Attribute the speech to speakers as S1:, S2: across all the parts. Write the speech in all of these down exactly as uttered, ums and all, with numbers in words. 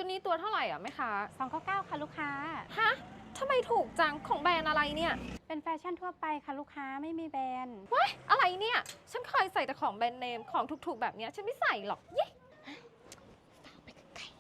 S1: ชุดนี้ตัวเท่าไหร่อ่ะแม่ค้า
S2: สองเก้าเก้าค่ะลูกค้า
S1: ฮะทำไมถูกจังของแบรนด์อะไรเนี่ย
S2: เป็นแฟชั่นทั่วไปค่ะลูกค้าไม่มีแบรนด์
S1: ว้ายอะไรเนี่ยฉันเคยใส่แต่ของแบรนด์เนมของถูกๆแบบเนี้ยฉันไม่ใส่หรอกเย้ไปไกล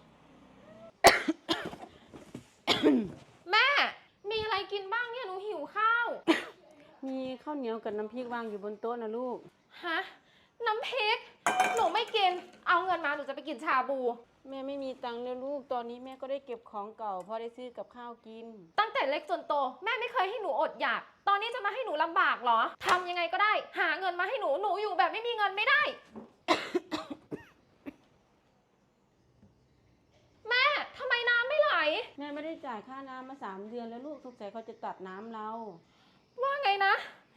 S1: แม่มีอะไรกินบ้างเนี่ยหนูหิวข้าว
S3: มีข้าวเหนียวกับน้ำพริกวางอยู่บนโต๊ะนะลูก
S1: ฮะน้ำพริกหนูไม่กินเอาเงินมาหนูจะไปกินชาบู
S3: แม่ไม่มีตังค์เลยลูกตอนนี้แม่ก็ได้เก็บของเก่าพอได้ซื้อกับข้าวกิน
S1: ตั้งแต่เล็กจนโตแม่ไม่เคยให้หนูอดอยากตอนนี้จะมาให้หนูลำบากเหรอทำยังไงก็ได้หาเงินมาให้หนูหนูอยู่แบบไม่มีเงินไม่ได้ แม่ทำไมน้ำไม่ไหล
S3: แม่ไม่ได้จ่ายค่าน้ำมาสามเดือนแล้วลูกสงสัยเขาจะตัดน้ำเรา
S1: ว่าไงนะ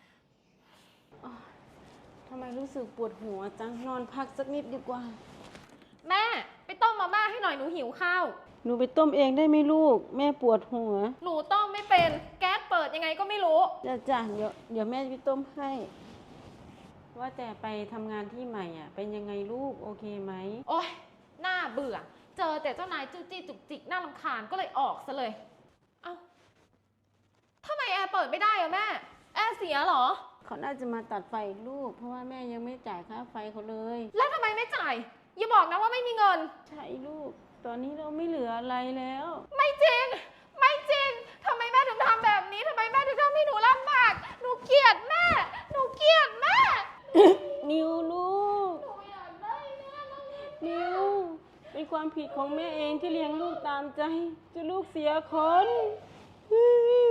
S3: ทำไมรู้สึกปวดหัวจังนอนพักสักนิดดีกว่า
S1: แม่ไปต้มมาม่าให้หน่อยหนูหิวข้าว
S3: หนูไปต้มเองได้ไหมลูกแม่ปวดหัว
S1: หนูต้มไม่เป็นแก๊สเปิดยังไงก็ไม่รู้
S3: จ้ะจ้ะเดี๋ยวเดี๋ยวแม่ไปต้มให้ว่าแต่ไปทำงานที่ใหม่อ่ะเป็นยังไงลูกโอเคไหม
S1: โอ๊ยน่าเบื่อเจอแต่เจ้านายจู้จี้จุกจิกน่ารำคาญก็เลยออกซะเลยเอ้าทำไมแอร์เปิดไม่ได้อะแม่แอร์เสียเหรอ
S3: เขาน่าจะมาตัดไฟอีกลูกเพราะว่าแม่ยังไม่จ่ายค่าไฟเขาเลย
S1: แล้วทำไมไม่จ่ายอย่าบอกนะว่าไม่มีเงิน
S3: ใช่ลูกตอนนี้เราไม่เหลืออะไรแล้ว
S1: ไม่จริงไม่จริงทำไมแม่ถึงทำแบบนี้ทำไมแม่ถึงทำให้หนูลำบากหนูเกลียดแม่หนูเกลียดแม่
S3: นิวลูก
S1: หนูอยากได้แม่
S3: นิวเป็นความผิดของแม่เองที่เลี้ยงลูกตามใจจนลูกเสียคน
S1: แม่